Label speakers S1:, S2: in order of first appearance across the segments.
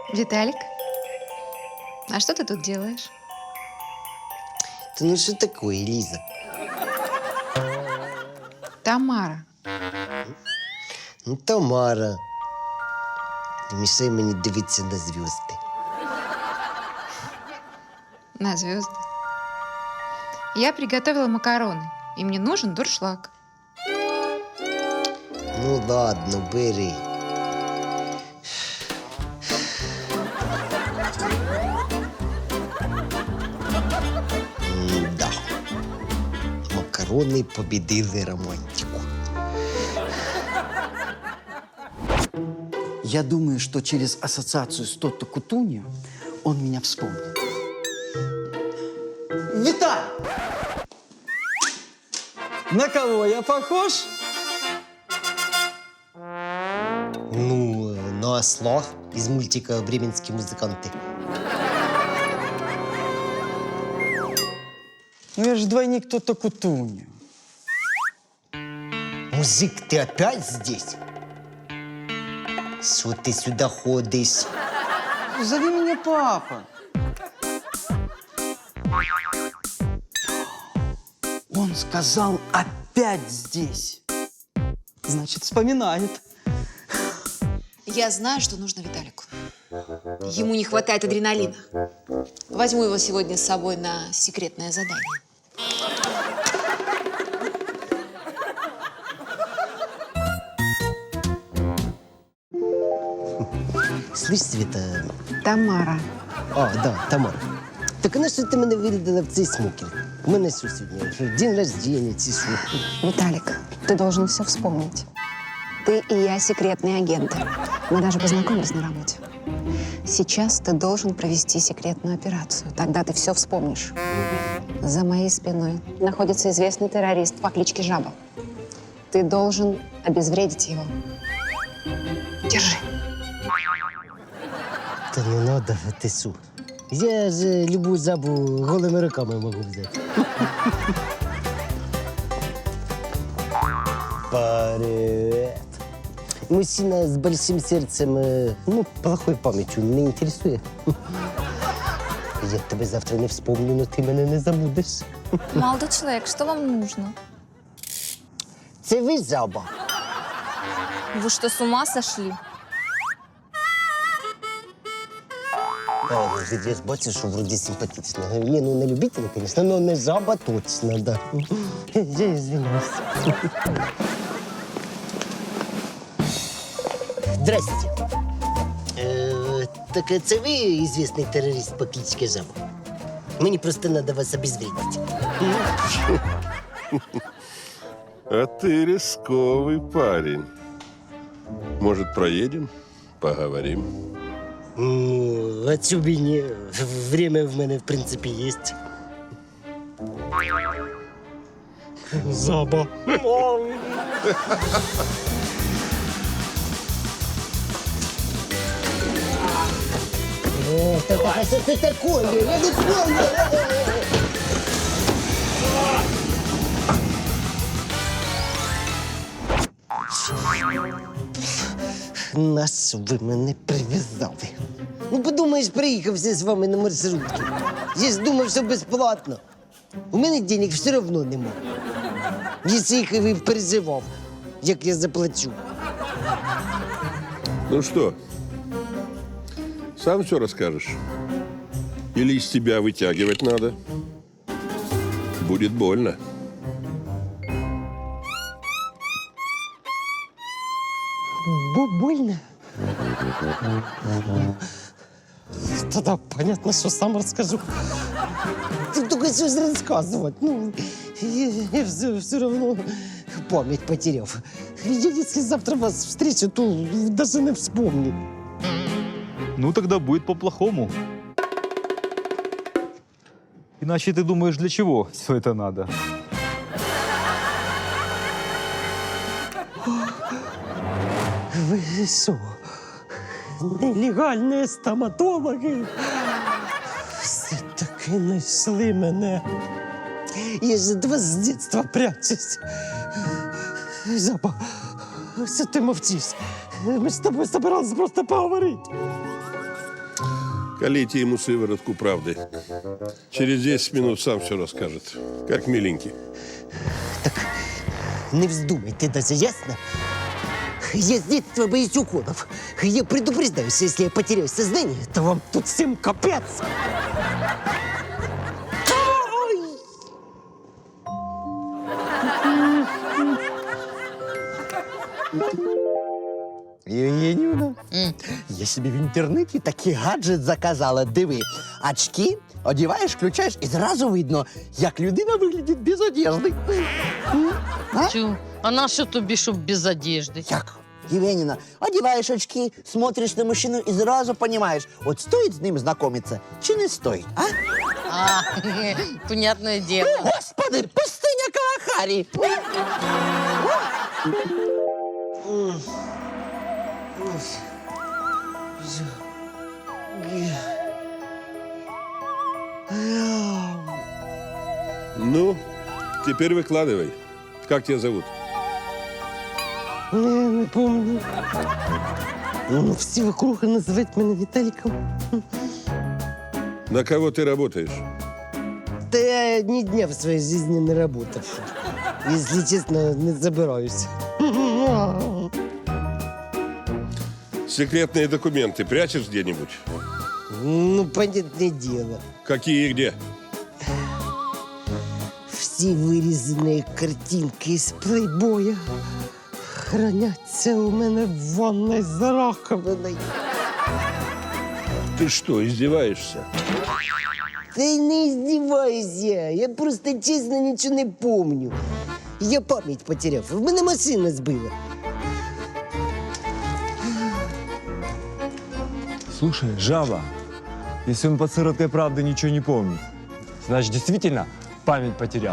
S1: Виталик, а что ты тут делаешь?
S2: Да ну что такое, Лиза?
S1: Тамара.
S2: Ну, Тамара. Не мішай мені дивитися на зв'язки.
S1: На звезды. Я приготовила макароны, и мне нужен дуршлаг.
S2: Ну ладно, бери. Да. Макарони побідили романтику.
S3: Я думаю, что через ассоциацию с Тотто Кутуньо он меня вспомнит. Виталий! На кого я похож?
S2: Ну, на осла из мультика «Бременские музыканты».
S3: Ну я же двойник Тотто Кутуньо.
S2: Мужик, ты опять здесь? Что ты сюда ходишь?
S3: Зови меня папа. Он сказал опять здесь. Значит, вспоминает.
S4: Я знаю, что нужно Виталику. Ему не хватает адреналина. Возьму его сегодня с собой на секретное задание.
S2: Слышь, Света...
S1: Тамара.
S2: А, да, Тамара. Так на що ти мене вирядила в цей смокінг? У мене що сьогодні? Що, день рождения, чи що?
S5: Виталик, ты должен все вспомнить. Ты и я секретные агенты. Мы даже познакомились на работе. Сейчас ты должен провести секретную операцию. Тогда ты все вспомнишь. За моей спиной находится известный террорист по кличке Жаба. Ты должен обезвредить его. Держи.
S2: Та не надо, ти що? Я ж любу жабу голими руками можу взяти. Привет. Мужчина с большим сердцем, ну, плохой памятью не интересує. Я тебе завтра не вспомню, но ти мене не забудеш.
S6: Молодой человек, что вам нужно?
S2: Це ви жаба.
S6: Вы что, с ума сошли?
S2: Я ж бачу, що вроді симпатично. Ні, ну не любителя, звісно, але не жаба точно, да. Я извиняюсь. Здрасте. Так це ви известний терорист по кличці Жаба? Мені просто треба вас обезвредити.
S7: А ты рисковый парень. Может, проедем? Поговорим.
S2: Ну, а чому б і ні? Время в мене, в принципі, є. Жаба. Так, що це таке? Я не понял. Нас ви мене прив'язали. Ну, подумаєш, приїхався з вами на маршрутці. Я ж думав, що безплатно. У мене денег все одно нема. Якщо їх і переживав, як я заплачу.
S7: Ну что, сам все расскажешь? Или из тебя вытягивать надо? Будет больно.
S2: Больно? Тогда понятно, что сам расскажу. Ты только что рассказывать. Ну, я все равно память потеряв. Я, если завтра вас встречу, то даже не вспомню.
S8: Ну, тогда будет по-плохому. Иначе ты думаешь, для чего все это надо?
S2: Вы что, нелегальные стоматологи? Все-таки знайшли мене. Я ж від вас з дитинства прячусь. Жаба, що ти мовчиш? Ми з тобою збиралися просто поговорити.
S7: Колите ему сыворотку правды. Через 10 минут сам все расскажет. Как миленький.
S2: Не вздумайте даже, ясно? Я с детства боюсь уколов. Я предупреждаю, что если я потеряю сознание, то вам тут всем капец.
S9: Євгенівна, я собі в інтернеті такий гаджет заказала. Диви, очки одіваєш, включаєш і зразу видно, як людина виглядить без одежди.
S10: Тю, а на що тобі, щоб без одежди?
S9: Як? Євгенівна, одіваєш очки, смотриш на мужчину і зразу розумієш, от стоїть з ним знайомитися чи не стоїть, а?
S10: А, понятное дело.
S9: Господи, пустиня Калахарі!
S7: Ну, теперь выкладывай. Как тебя зовут?
S2: Не помню. Ну, всі вокруг називають мене Віталіком.
S7: На кого ты работаешь?
S2: Да я ни дня в своей жизни не работал. Если честно, не забираюсь.
S7: Секретные документы прячешь где-нибудь?
S2: Ну, понятное дело.
S7: Какие и где?
S2: Все вырезанные картинки из плейбоя хранятся у меня в ванной за раковиной.
S7: Ты что, издеваешься?
S2: Да и не издеваюсь я просто честно ничего не помню. Я память потерял, в мене машина сбила.
S11: Слушай, жаба, если он под сыроткой правды ничего не помнит, значит, действительно память потерял.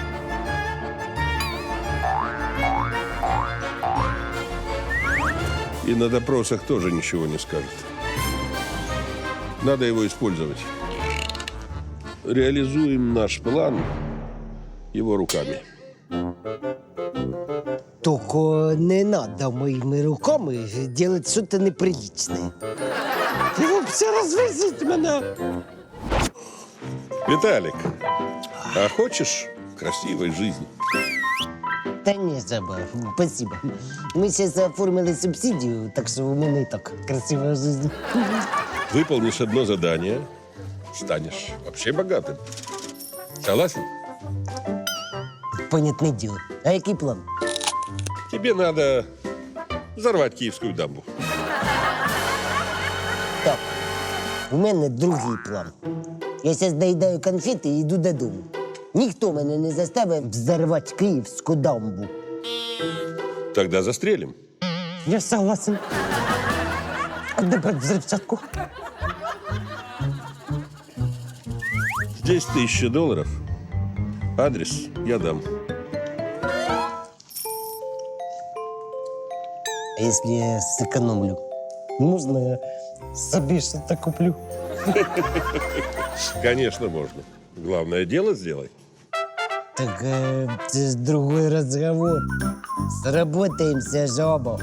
S7: И на допросах тоже ничего не скажет. Надо его использовать. Реализуем наш план его руками.
S2: Только не надо моими руками делать что-то неприличное. Ты вообще развезите меня.
S7: Виталик, а хочешь красивой жизни?
S2: Да не, жаба, спасибо. Мы сейчас оформили субсидию, так что у меня и так красивая жизнь.
S7: Выполнишь одно задание, станешь вообще богатым. Согласен?
S2: Понятное дело. А який план?
S7: Тебе надо взорвать Киевскую дамбу.
S2: Так, у мене другий план. Я зараз доїдаю конфети і йду додому. Ніхто мене не заставив взорвати Київську дамбу.
S7: Тогда застрелим.
S2: Я согласен. А де брати взривчатку?
S7: Здесь $1000. Адрес я дам.
S2: А якщо я сэкономлю, можна я собі щось куплю?
S7: Конечно, можно. Главное дело сделай.
S2: Так це ж другой разговор. Сработаемся, жаба.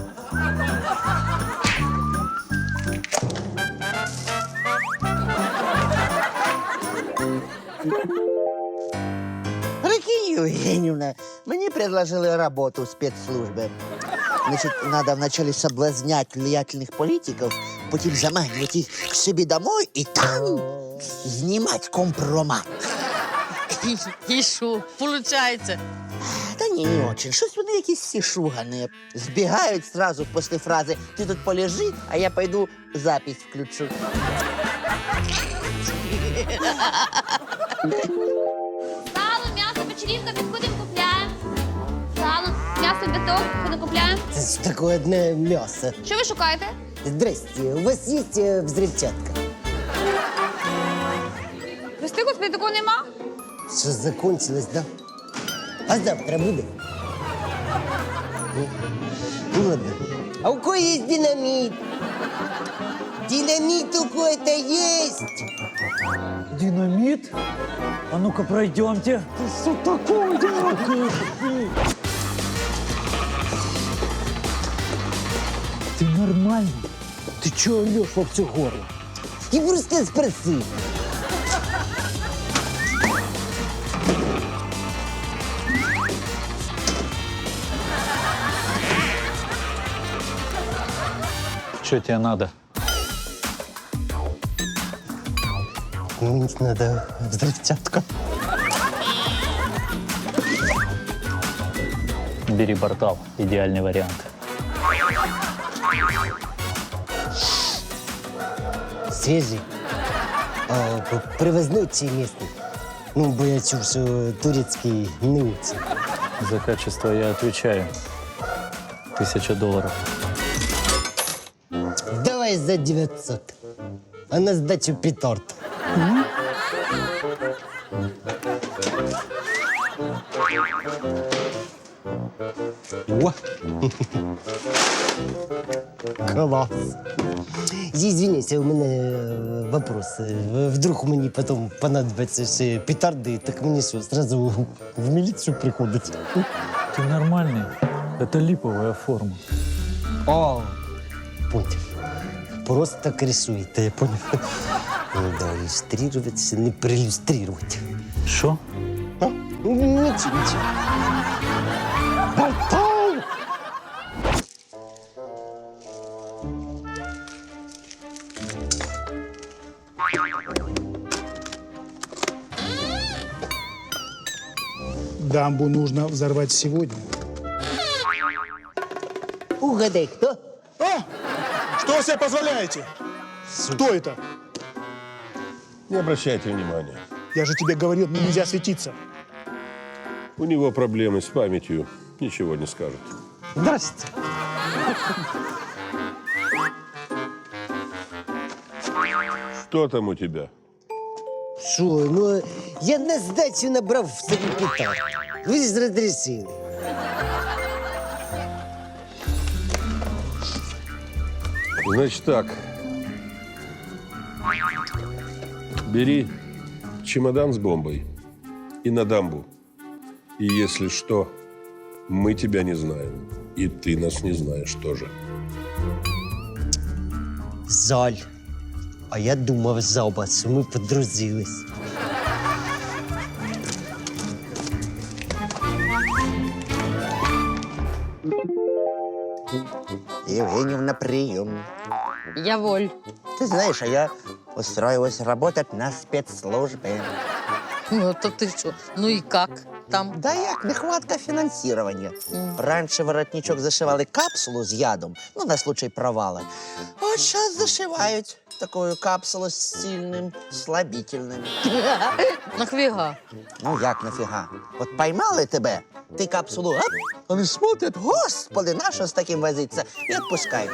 S9: Прикинь, Євгенівна, мені предложили роботу в спецслужбі. Значит, надо вначале соблазнять влиятельных политиков, потом заманивать их к себе домой и там снимать компромат.
S10: І що, получається?
S9: Та ні, не очень. Щось вони якісь всі шугані. Збігають сразу після фрази «ти тут полежи, а я пойду запись включу».
S12: Сало, м'ясо, печерівка, підходимо, купляємо. Сало, м'ясо, біток, ходимо, купляємо.
S2: Це ж таке одне м'ясо.
S12: Що ви шукаєте?
S2: Здрасте, у вас есть взрывчатка?
S12: Прости, господи, такого нема?
S2: Что, закончилось, да? А завтра будет? Ну ладно. А у кого есть динамит? Динамит у кого-то есть?
S11: Динамит? А ну-ка пройдемте. Что такое? Ты нормальный? Ты чё орёшь во все горло?
S2: и просто спроси.
S8: Что тебе надо?
S2: Мне надо взрывчатка.
S8: Бери портал. Идеальный вариант.
S2: Свежий. Привозной чи местный? Ну, бо я чув, що турецький не очень.
S8: За качество я отвечаю. $1000.
S2: Давай за 900. А на сдачу петард. О! Класс. Извините, у меня вопрос. Вдруг мені потом понадобится ще петарди, так мені що, сразу в милицию приходить?
S8: Ты нормальный. Это липовая форма.
S2: О, понял. Просто так рисуете, я понял. Да, иллюстрировать, не проиллюстрировать.
S8: Что?
S2: А? Ничего. Портал!
S13: Дамбу нужно взорвать сегодня.
S2: Угадай, кто?
S13: Что вы себе позволяете? Кто это?
S7: Не обращайте внимания.
S13: Я же тебе говорил, мне нельзя светиться.
S7: У него проблемы с памятью. Ничего не скажет.
S2: Здравствуйте.
S7: Что там у тебя?
S2: Що, ну, я на здачу набрав в собі петард. Ви ж розрішили.
S7: Значит так. Бери чемодан с бомбой и на дамбу. И если что, мы тебя не знаем. И ты нас не знаешь тоже.
S2: Жаль. А я думав за вас, що ми подружились.
S9: Евгеньевна, прием.
S10: Я воль.
S9: Ты знаешь, а я устроилась работать на спецслужбе.
S10: Ну, то ты что? Ну и как там?
S9: Да як, нехватка финансирования. Раньше воротничок зашивали капсулу з ядом, ну, на случай провала. От сейчас зашивають такую капсулу з сильним слабительним.
S10: Нахвіга?
S9: Ну, як нафіга? От поймали тебе, ти капсулу, оп, вони смотрять, господи, на що з таким возиться, і відпускають.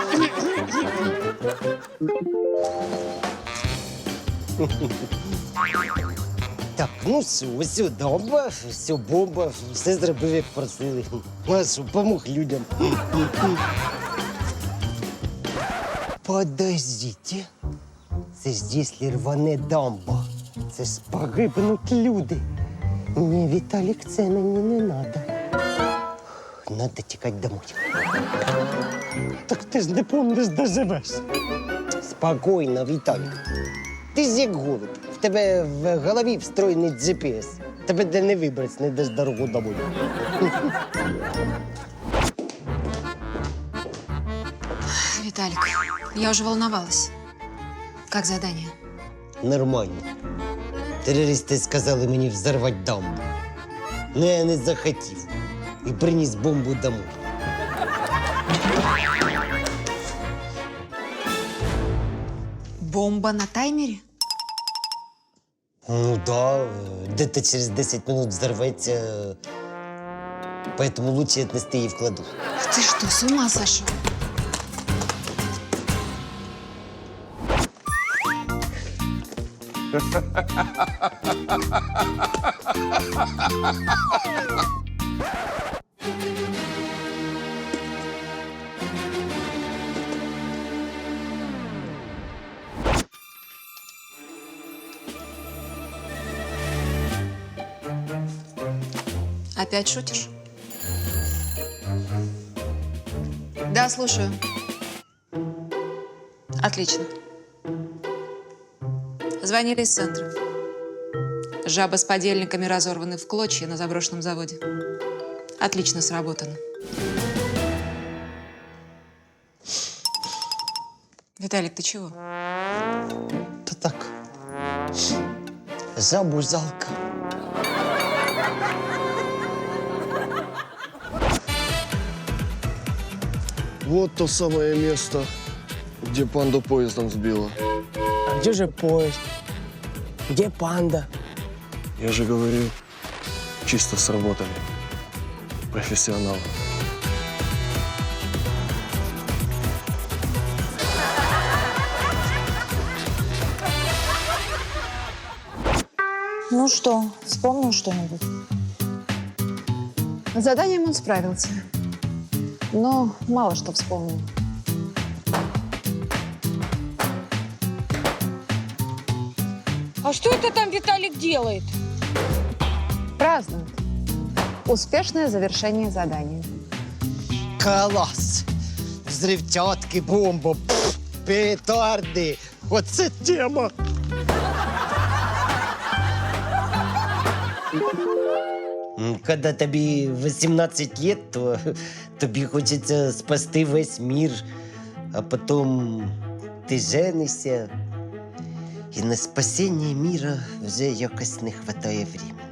S2: Так, ну все дамба, все бомба, все зробив, як просили. Ну, а що, помог людям. Подождите. Це ж якщо рване дамба, це ж погибнуть люди. Ні, Віталік, це мені не надо. Надо тікати домой. Так ти ж не помниш, де живеш. Спокійно, Віталік. Ти ж як голуб. В тебе в голові встроєний GPS. Тебе де не вибрать, не даш дорогу домой.
S4: Виталик, я уже волновалась. Как задание?
S2: Нормально. Терористи сказали мені взорвати дамбу. Ну, я не захотів. І приніс бомбу домой.
S4: Бомба на таймере?
S2: Ну да, где-то через 10 минут взорвется. Поэтому лучше отнести її в кладовку.
S4: Ты что, с ума сошел? Опять шутишь? Да, слушаю. Отлично. Звонили из центра. Жаба с подельниками разорваны в клочья на заброшенном заводе. Отлично сработано. Виталик, ты чего?
S2: Та так. Жабу жалко.
S13: Вот то самое место, где панду поездом сбила.
S14: А где же поезд? Где панда?
S13: Я же говорил, чисто сработали. Профессионалы.
S6: Ну что, вспомнил что-нибудь?
S5: С заданием он справился. Но мало что вспомнил.
S10: А что это там Виталик делает?
S5: Празднует. Успешное завершение задания.
S2: Клас! Взривчатки, бомба, петарди. Оце тема. Когда тобі 18 лет, то тобі хочеться спасти весь мір, а потім ти женишся, і на спасіння міра вже якось не вистачає времени.